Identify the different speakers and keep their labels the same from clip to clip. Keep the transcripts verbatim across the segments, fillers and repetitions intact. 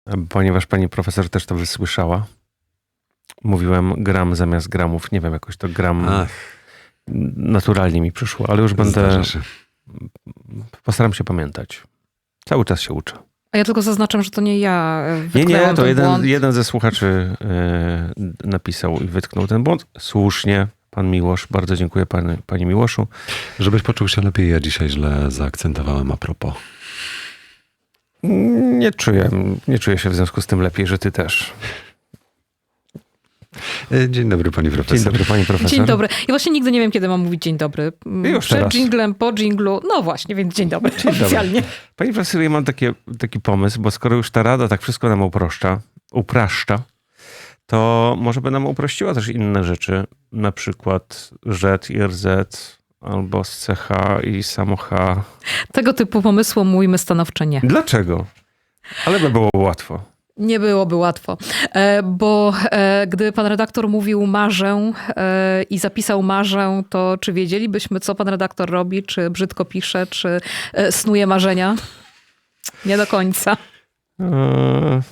Speaker 1: Ponieważ pani profesor też to wysłyszała, mówiłem gram zamiast gramów. Nie wiem, jakoś to gram Ach. naturalnie mi przyszło, ale już będę... Postaram się pamiętać. Cały czas się uczę.
Speaker 2: A ja tylko zaznaczam, że to nie ja
Speaker 1: Nie, nie, to jeden,
Speaker 2: błąd.
Speaker 1: jeden ze słuchaczy yy, napisał i wytknął ten błąd. Słusznie, pan Miłosz. Bardzo dziękuję pani, panie Miłoszu.
Speaker 3: Żebyś poczuł się lepiej, ja dzisiaj źle zaakcentowałem a propos.
Speaker 1: Nie czuję, nie czuję się w związku z tym lepiej, że ty też.
Speaker 3: Dzień dobry, pani profesor.
Speaker 1: Dzień dobry, pani profesor.
Speaker 2: Dzień dobry. Ja właśnie nigdy nie wiem, kiedy mam mówić dzień dobry.
Speaker 1: Już
Speaker 2: Przed
Speaker 1: teraz.
Speaker 2: dżinglem, po dżinglu. No właśnie, więc dzień dobry. Dzień oficjalnie.
Speaker 1: Dobry. Pani profesor, ja mam takie, taki pomysł, bo skoro już ta rada tak wszystko nam uproszcza, upraszcza, to może by nam uprościła też inne rzeczy. Na przykład rzet i er zet, albo z ce ha i samo H.
Speaker 2: Tego typu pomysłom mówimy stanowczo nie.
Speaker 1: Dlaczego? Ale by było łatwo.
Speaker 2: Nie byłoby łatwo, bo gdy pan redaktor mówił marzę i zapisał marzę, to czy wiedzielibyśmy, co pan redaktor robi? Czy brzydko pisze, czy snuje marzenia? Nie do końca.
Speaker 1: Eee,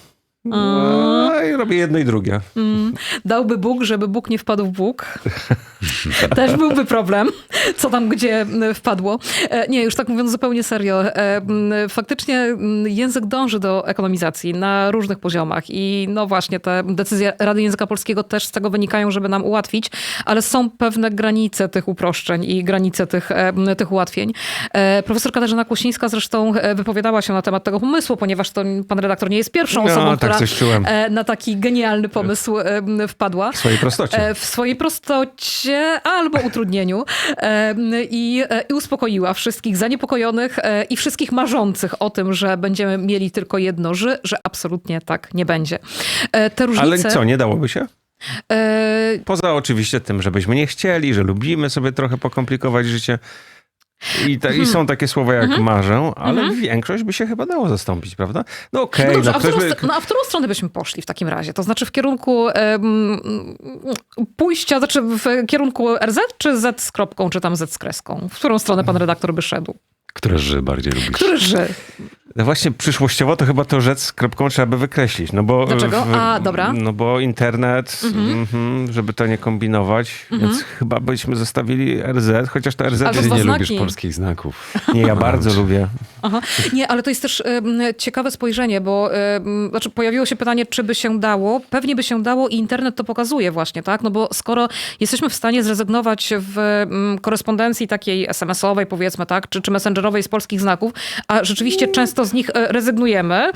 Speaker 1: no i robię jedno i drugie.
Speaker 2: Mm. Dałby Bóg, żeby Bóg nie wpadł w Bóg. Też byłby problem, co tam gdzie wpadło. Nie, już tak mówiąc zupełnie serio. Faktycznie język dąży do ekonomizacji na różnych poziomach i no właśnie te decyzje Rady Języka Polskiego też z tego wynikają, żeby nam ułatwić, ale są pewne granice tych uproszczeń i granice tych, tych ułatwień. Profesor Katarzyna Kłosińska zresztą wypowiadała się na temat tego pomysłu, ponieważ to pan redaktor nie jest pierwszą
Speaker 1: no,
Speaker 2: osobą,
Speaker 1: tak
Speaker 2: która
Speaker 1: coś czułem.
Speaker 2: na taki genialny pomysł wpadła.
Speaker 1: W swojej prostocie.
Speaker 2: W swojej prostocie albo utrudnieniu i, i uspokoiła wszystkich zaniepokojonych i wszystkich marzących o tym, że będziemy mieli tylko jedno ży, że absolutnie tak nie będzie. Te różnice...
Speaker 1: Ale co, nie dałoby się? Poza oczywiście tym, żebyśmy nie chcieli, że lubimy sobie trochę pokomplikować życie. I, ta, I są takie słowa jak mm-hmm. marzę, ale mm-hmm. większość by się chyba dało zastąpić, prawda? No okej. Okay,
Speaker 2: no dobrze,
Speaker 1: no,
Speaker 2: a, w którą,
Speaker 1: by...
Speaker 2: no a w którą stronę byśmy poszli w takim razie? To znaczy w kierunku um, pójścia, znaczy w kierunku er zet czy Z z kropką, czy tam Z z kreską? W którą stronę pan redaktor by szedł?
Speaker 3: Które ży bardziej lubisz?
Speaker 2: Które ży?
Speaker 1: No właśnie przyszłościowo to chyba to rzec z kropką trzeba by wykreślić. No bo,
Speaker 2: Dlaczego?
Speaker 1: W,
Speaker 2: A, dobra.
Speaker 1: No bo internet, mm-hmm. Mm, żeby to nie kombinować, mm-hmm. więc chyba byśmy zostawili er zet, chociaż to er zet...
Speaker 3: Ty nie znaki. Lubisz polskich znaków.
Speaker 1: Nie, ja bardzo lubię.
Speaker 2: Aha. Nie, ale to jest też um, ciekawe spojrzenie, bo um, znaczy pojawiło się pytanie, czy by się dało. Pewnie by się dało i internet to pokazuje właśnie, tak? No bo skoro jesteśmy w stanie zrezygnować w um, korespondencji takiej es em esowej, powiedzmy, tak? Czy, czy messengerowej z polskich znaków, a rzeczywiście mm. często z nich rezygnujemy,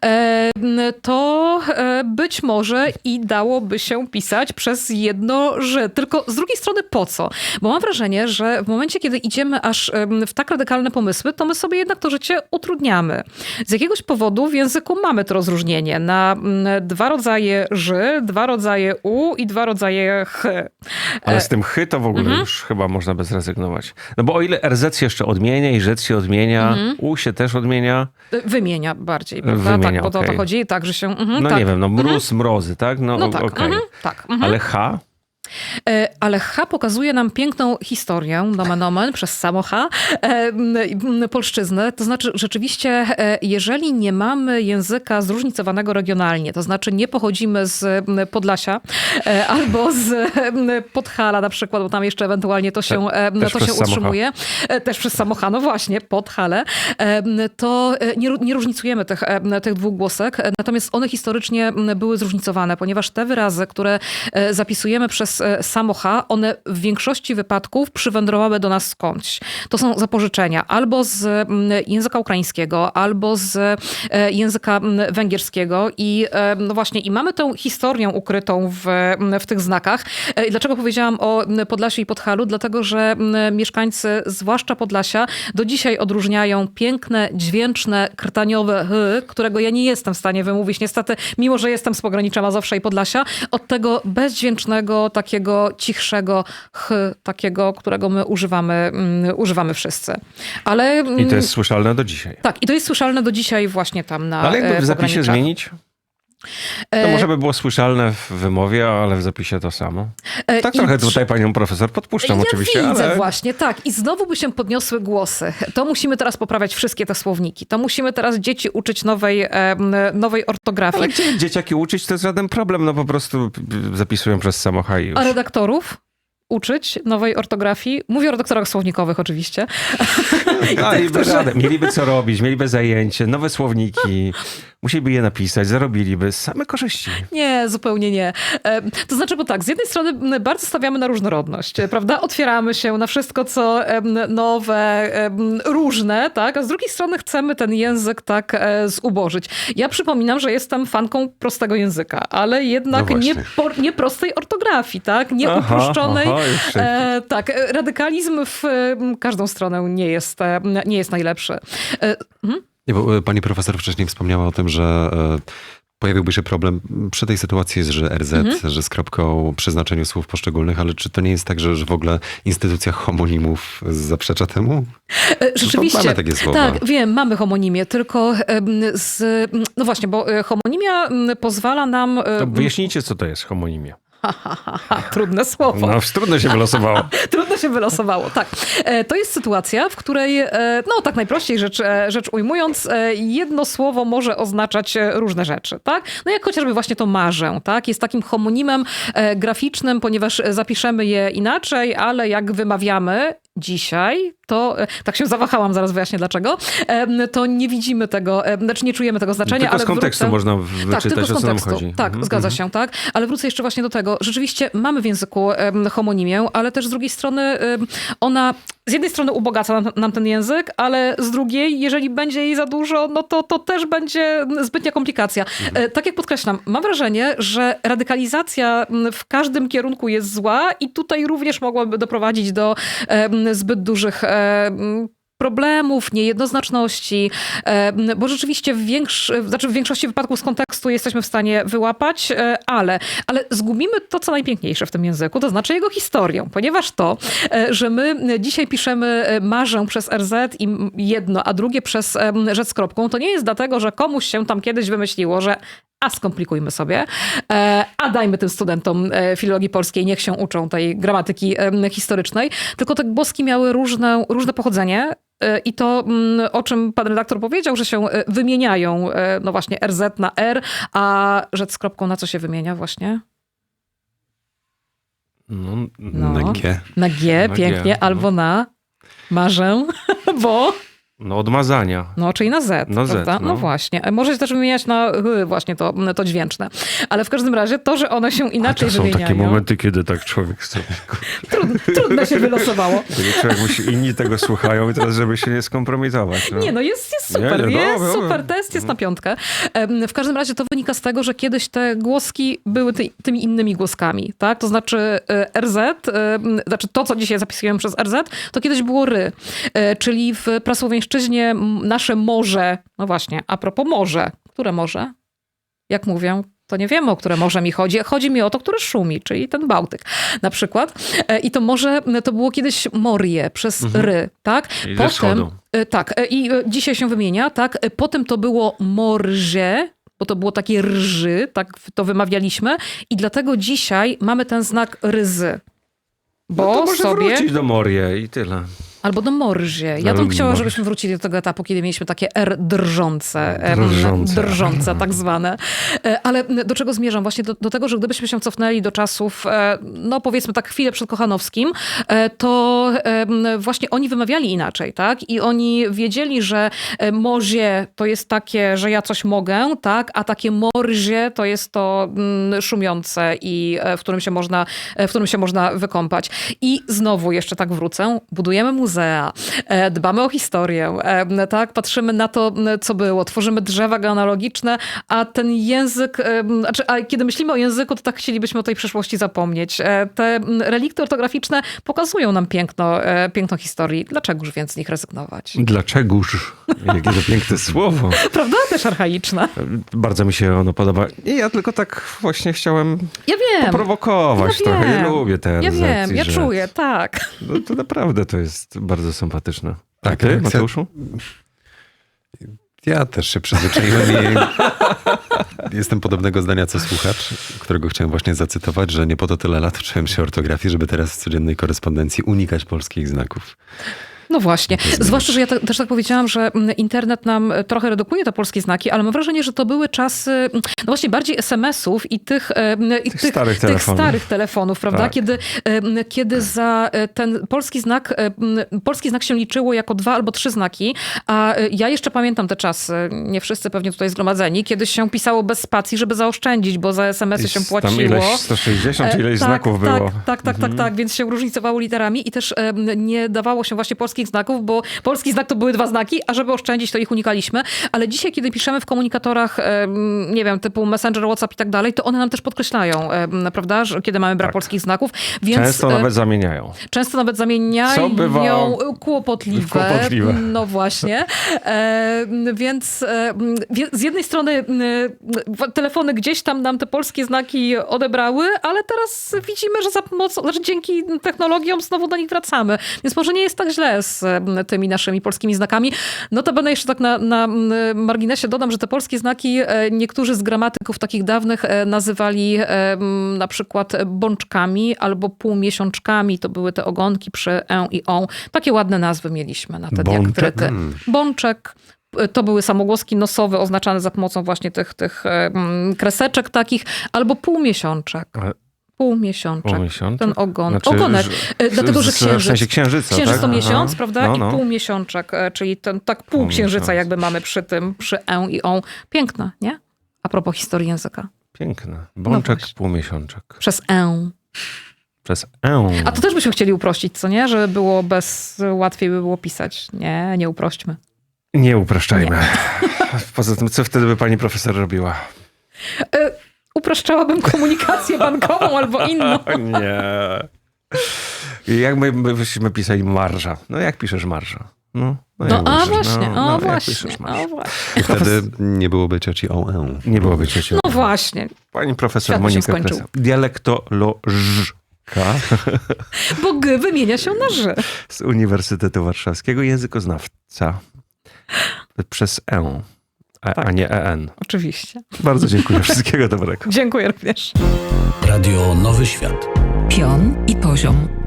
Speaker 2: to być może i dałoby się pisać przez jedno ży. Tylko z drugiej strony po co? Bo mam wrażenie, że w momencie, kiedy idziemy aż w tak radykalne pomysły, to my sobie jednak to życie utrudniamy. Z jakiegoś powodu w języku mamy to rozróżnienie na dwa rodzaje ży, dwa rodzaje u i dwa rodzaje ch.
Speaker 1: Ale z tym chy to w ogóle mhm. już chyba można by zrezygnować. No bo o ile er zet się jeszcze odmienia i rzec się odmienia, mhm. u się też odmienia.
Speaker 2: Wymienia bardziej, prawda?
Speaker 1: Wymienia,
Speaker 2: tak, bo to o
Speaker 1: okay.
Speaker 2: to chodzi, tak, że się... Mhm,
Speaker 1: no
Speaker 2: tak.
Speaker 1: nie wiem, no mróz, mhm. mrozy, tak? No,
Speaker 2: no tak,
Speaker 1: okay.
Speaker 2: mhm, tak. Mhm.
Speaker 1: Ale H?
Speaker 2: Ale H pokazuje nam piękną historię, nomen omen, przez samo H, polszczyzny. To znaczy rzeczywiście, jeżeli nie mamy języka zróżnicowanego regionalnie, to znaczy nie pochodzimy z Podlasia albo z Podhala na przykład, bo tam jeszcze ewentualnie to się,
Speaker 1: Te,
Speaker 2: to się utrzymuje. H. Też przez samo H, no właśnie, Podhale. To nie, nie różnicujemy tych, tych dwóch głosek, natomiast one historycznie były zróżnicowane, ponieważ te wyrazy, które zapisujemy przez samo H, one w większości wypadków przywędrowały do nas skądś. To są zapożyczenia albo z języka ukraińskiego, albo z języka węgierskiego i no właśnie, i mamy tę historię ukrytą w, w tych znakach. I dlaczego powiedziałam o Podlasiu i Podhalu? Dlatego, że mieszkańcy, zwłaszcza Podlasia, do dzisiaj odróżniają piękne, dźwięczne, krtaniowe h, którego ja nie jestem w stanie wymówić. Niestety, mimo że jestem z pogranicza Mazowsza i Podlasia, od tego bezdźwięcznego, takiego cichszego ch, takiego, którego my używamy, um, używamy wszyscy. Ale,
Speaker 1: I to jest słyszalne do dzisiaj.
Speaker 2: Tak, i to jest słyszalne do dzisiaj właśnie tam na
Speaker 1: Ale jakby w zapisie
Speaker 2: pograniczach.
Speaker 1: zmienić? To może by było słyszalne w wymowie, ale w zapisie to samo.
Speaker 2: E,
Speaker 1: Tak
Speaker 2: i
Speaker 1: trochę
Speaker 2: tr-
Speaker 1: tutaj panią profesor podpuszczam
Speaker 2: ja
Speaker 1: oczywiście,
Speaker 2: widzę
Speaker 1: ale...
Speaker 2: właśnie, tak. I znowu by się podniosły głosy. To musimy teraz poprawiać wszystkie te słowniki. To musimy teraz dzieci uczyć nowej, e, nowej ortografii.
Speaker 1: Ale gdzie dzieciaki uczyć, to jest żaden problem, no po prostu zapisują przez samocha i już.
Speaker 2: A redaktorów uczyć nowej ortografii? Mówię o redaktorach słownikowych oczywiście.
Speaker 1: Mieliby radę, mieliby co robić, mieliby zajęcie, nowe słowniki, musieliby je napisać, zarobiliby same korzyści.
Speaker 2: Nie, zupełnie nie. E, To znaczy, bo tak, z jednej strony m, bardzo stawiamy na różnorodność, e, prawda? Otwieramy się na wszystko, co em, nowe, em, różne, tak? A z drugiej strony chcemy ten język tak e, zubożyć. Ja przypominam, że jestem fanką prostego języka, ale jednak
Speaker 3: No
Speaker 2: nie,
Speaker 3: właśnie.
Speaker 2: por, nie prostej ortografii, tak? Nie
Speaker 1: Aha,
Speaker 2: uproszczonej.
Speaker 1: aha, już się-
Speaker 2: E, tak, e, radykalizm w e, każdą stronę nie jest, e, nie jest najlepszy. E, mhm.
Speaker 3: Nie, bo e, pani profesor wcześniej wspomniała o tym, że e, pojawiłby się problem przy tej sytuacji, że R Z,
Speaker 2: Mhm.
Speaker 3: że z kropką przy znaczeniu słów poszczególnych, ale czy to nie jest tak, że, że w ogóle instytucja homonimów zaprzecza temu?
Speaker 2: E, Rzeczywiście.
Speaker 3: Mamy takie słowa.
Speaker 2: Tak, wiem, mamy homonimię, tylko em, z... No właśnie, bo e, homonimia m, pozwala nam... e,
Speaker 1: To wyjaśnijcie, co to jest homonimia.
Speaker 2: Ha, ha, ha, ha, trudne słowo.
Speaker 1: No, trudno się wylosowało.
Speaker 2: Trudno się wylosowało, tak. E, To jest sytuacja, w której, e, no tak najprościej rzecz, e, rzecz ujmując, e, jedno słowo może oznaczać e, różne rzeczy, tak? No jak chociażby właśnie to marzę, tak? Jest takim homonimem e, graficznym, ponieważ zapiszemy je inaczej, ale jak wymawiamy dzisiaj, to, e, tak się zawahałam, zaraz wyjaśnię dlaczego, e, to nie widzimy tego, e, znaczy nie czujemy tego znaczenia,
Speaker 1: Tylko
Speaker 2: ale
Speaker 1: z kontekstu
Speaker 2: wrócę...
Speaker 1: można
Speaker 2: Tak, tylko
Speaker 1: wyczytać,
Speaker 2: z
Speaker 1: o co nam
Speaker 2: kontekstu.
Speaker 1: chodzi.
Speaker 2: Tak,
Speaker 1: Mhm,
Speaker 2: zgadza
Speaker 1: mhm.
Speaker 2: się, tak. Ale wrócę jeszcze właśnie do tego. Rzeczywiście mamy w języku em, homonimię, ale też z drugiej strony em, ona z jednej strony ubogaca nam, nam ten język, ale z drugiej, jeżeli będzie jej za dużo, no to, to też będzie zbytnia komplikacja. E, Tak jak podkreślam, mam wrażenie, że radykalizacja m, w każdym kierunku jest zła i tutaj również mogłaby doprowadzić do em, zbyt dużych em, problemów, niejednoznaczności, e, bo rzeczywiście w, większ, znaczy w większości wypadków z kontekstu jesteśmy w stanie wyłapać, e, ale, ale zgubimy to, co najpiękniejsze w tym języku, to znaczy jego historię, ponieważ to, e, że my dzisiaj piszemy e, marzę przez R Z i jedno, a drugie przez e, rzecz z kropką, to nie jest dlatego, że komuś się tam kiedyś wymyśliło, że a skomplikujmy sobie, e, a dajmy tym studentom e, filologii polskiej, niech się uczą tej gramatyki e, historycznej, tylko te głoski miały różne, różne pochodzenie e, i to, mm, o czym pan redaktor powiedział, że się e, wymieniają, e, no właśnie R Z na R, a rzecz z kropką na co się wymienia właśnie?
Speaker 1: No,
Speaker 2: No.
Speaker 3: Na G.
Speaker 2: Na G,
Speaker 1: Na
Speaker 2: pięknie,
Speaker 1: G, no.
Speaker 2: albo na marzę, bo...
Speaker 1: no odmazania.
Speaker 2: No, czyli na Z,
Speaker 1: Na Z,
Speaker 2: prawda? No.
Speaker 1: no.
Speaker 2: właśnie. Może się też wymieniać na y, właśnie to, to dźwięczne. Ale w każdym razie to, że one się
Speaker 1: A
Speaker 2: inaczej
Speaker 1: to są
Speaker 2: wymieniają...
Speaker 1: takie momenty, kiedy tak człowiek sobie...
Speaker 2: Trudno, trudno się wylosowało.
Speaker 1: Kiedy człowiek musi, inni tego słuchają i teraz, żeby się nie skompromitować. No.
Speaker 2: Nie, no jest, jest super,
Speaker 1: Nie, nie,
Speaker 2: jest
Speaker 1: dobra,
Speaker 2: super,
Speaker 1: dobra.
Speaker 2: test jest na piątkę. Em, W każdym razie to wynika z tego, że kiedyś te głoski były ty, tymi innymi głoskami, tak? To znaczy e, R Z, e, znaczy to, co dzisiaj zapisujemy przez R Z, to kiedyś było ry, E, czyli w prasłowiańszczyźnie m, nasze morze, no właśnie, a propos morze, które morze? Jak mówią, to nie wiemy, o które morze mi chodzi. Chodzi mi o to, które szumi, czyli ten Bałtyk na przykład. E, I to morze to było kiedyś morie przez ry, tak?
Speaker 1: Czyli ze wschodu.
Speaker 2: E, Tak, e, i e, dzisiaj się wymienia, tak? E, Potem to było morze, bo to było takie rży, tak to wymawialiśmy i dlatego dzisiaj mamy ten znak ryzy. Bo
Speaker 1: No to może
Speaker 2: sobie...
Speaker 1: wrócić do Morie i tyle.
Speaker 2: Albo do morzie. Ja
Speaker 1: Ale
Speaker 2: bym chciała,
Speaker 1: morzie.
Speaker 2: żebyśmy wrócili do tego etapu, kiedy mieliśmy takie R drżące. em,
Speaker 1: Drżące.
Speaker 2: Drżące, tak zwane. E, Ale do czego zmierzam? Właśnie do, do tego, że gdybyśmy się cofnęli do czasów, e, no powiedzmy tak chwilę przed Kochanowskim, e, to em, właśnie oni wymawiali inaczej, tak? I oni wiedzieli, że e, morzie to jest takie, że ja coś mogę, tak? A takie morzie to jest to mm, szumiące i e, w którym się można, e, w którym się można wykąpać. I znowu jeszcze tak wrócę, budujemy muzea, e, dbamy o historię, e, tak? Patrzymy na to, m, co było, tworzymy drzewa genealogiczne, a ten język, e, znaczy, a kiedy myślimy o języku, to tak chcielibyśmy o tej przeszłości zapomnieć. E, Te m, relikty ortograficzne pokazują nam piękno, e, piękno historii. Dlaczegoż więc z nich rezygnować?
Speaker 1: Dlaczegoż? Jakie to piękne słowo.
Speaker 2: Prawda? Też archaiczne.
Speaker 1: Bardzo mi się ono podoba. I ja tylko tak właśnie chciałem
Speaker 2: Ja wiem.
Speaker 1: prowokować
Speaker 2: Ja
Speaker 1: trochę. Ja
Speaker 2: wiem.
Speaker 1: lubię te
Speaker 2: Ja
Speaker 1: R Z
Speaker 2: wiem,
Speaker 1: i
Speaker 2: ja
Speaker 1: że-
Speaker 2: czuję, tak.
Speaker 1: No, to naprawdę to jest bardzo sympatyczne. A
Speaker 3: Tak,
Speaker 1: ty,
Speaker 3: jak chcę-
Speaker 1: Mateuszu?
Speaker 3: Ja też się przyzwyczaiłem i jestem podobnego zdania co słuchacz, którego chciałem właśnie zacytować, że nie po to tyle lat uczyłem się ortografii, żeby teraz w codziennej korespondencji unikać polskich znaków.
Speaker 2: No właśnie. Zwłaszcza, że ja te, też tak powiedziałam, że internet nam trochę redukuje te polskie znaki, ale mam wrażenie, że to były czasy, no właśnie bardziej es em esów i tych, i
Speaker 1: Tych
Speaker 2: tych,
Speaker 1: starych
Speaker 2: tych
Speaker 1: telefonów.
Speaker 2: starych telefonów, prawda?
Speaker 1: Tak.
Speaker 2: Kiedy, kiedy za ten polski znak, polski znak się liczyło jako dwa albo trzy znaki, a ja jeszcze pamiętam te czasy, nie wszyscy pewnie tutaj zgromadzeni, kiedy się pisało bez spacji, żeby zaoszczędzić, bo za es em esy się
Speaker 1: Tam
Speaker 2: płaciło.
Speaker 1: ileś sto sześćdziesiąt, czy ileś
Speaker 2: tak,
Speaker 1: znaków
Speaker 2: tak,
Speaker 1: było.
Speaker 2: Tak, tak, tak, tak, więc się różnicowało literami i też em, nie dawało się właśnie polskich znaków, bo polski znak to były dwa znaki, a żeby oszczędzić, to ich unikaliśmy. Ale dzisiaj, kiedy piszemy w komunikatorach, em, nie wiem, typu Messenger, WhatsApp i tak dalej, to one nam też podkreślają, em, prawda, że kiedy mamy brak
Speaker 1: Tak.
Speaker 2: polskich znaków. Więc,
Speaker 1: Często
Speaker 2: e,
Speaker 1: nawet zamieniają.
Speaker 2: Często nawet zamieniają
Speaker 1: Co bywa
Speaker 2: kłopotliwe.
Speaker 1: kłopotliwe.
Speaker 2: No właśnie. E, więc e, wie- z jednej strony e, telefony gdzieś tam nam te polskie znaki odebrały, ale teraz widzimy, że za pomocą, znaczy dzięki technologiom znowu do nich wracamy. Więc może nie jest tak źle z e, tymi naszymi polskimi znakami. Notabene jeszcze tak na, na marginesie dodam, że te polskie znaki e, niektórzy z gramatyków takich dawnych e, nazywali e, m, na przykład bączkami albo półmiesiączkami. To były te ogonki przy e i o. Takie ładne nazwy mieliśmy na te
Speaker 1: Bączek?
Speaker 2: diakryty. Bączek. To były samogłoski nosowe oznaczane za pomocą właśnie tych, tych em, kreseczek takich, albo półmiesiączek.
Speaker 1: Ale
Speaker 2: Półmiesiączek.
Speaker 1: półmiesiączek?
Speaker 2: Ten ogon.
Speaker 1: Znaczy,
Speaker 2: Ogonek.
Speaker 1: że-
Speaker 2: E, Dlatego, że
Speaker 1: w- w
Speaker 2: księżyc.
Speaker 1: sensie księżyca,
Speaker 2: Księżyc
Speaker 1: tak?
Speaker 2: to miesiąc,
Speaker 1: Aha.
Speaker 2: prawda?
Speaker 1: No, no.
Speaker 2: I półmiesiączek, e, czyli ten tak pół
Speaker 1: Pół
Speaker 2: księżyca
Speaker 1: miesiąca.
Speaker 2: jakby mamy przy tym, przy e i o. Piękne, nie? A propos historii języka.
Speaker 1: Piękne. Bączek,
Speaker 2: właśnie.
Speaker 1: półmiesiączek.
Speaker 2: Przez e.
Speaker 1: Przez E.
Speaker 2: A to też byśmy chcieli uprościć, co nie? Żeby było bez, łatwiej by było pisać. Nie, nie uprośćmy.
Speaker 1: Nie upraszczajmy. Poza tym, co wtedy by pani profesor robiła?
Speaker 2: E, upraszczałabym komunikację bankową albo inną.
Speaker 1: O nie. Jak my, my byśmy pisali marża? No jak piszesz marża? No, no,
Speaker 2: No
Speaker 1: jak
Speaker 2: a
Speaker 1: piszesz?
Speaker 2: właśnie,
Speaker 1: no,
Speaker 2: o
Speaker 1: no, jak
Speaker 2: właśnie,
Speaker 1: piszesz marża?
Speaker 2: o właśnie.
Speaker 3: I wtedy nie byłoby cioci o e.
Speaker 1: Nie byłoby ciocią.
Speaker 2: No właśnie,
Speaker 1: Pani profesor
Speaker 2: Świat by się
Speaker 1: Monika
Speaker 2: skończył.
Speaker 1: Kresa. Dialektolożka
Speaker 2: bo G wymienia się na Ż.
Speaker 1: z Uniwersytetu Warszawskiego, językoznawca przez E, a,
Speaker 2: Tak.
Speaker 1: a nie E N.
Speaker 2: Oczywiście.
Speaker 1: Bardzo dziękuję. Wszystkiego dobrego.
Speaker 2: Dziękuję również.
Speaker 4: Radio Nowy Świat.
Speaker 5: Pion i poziom.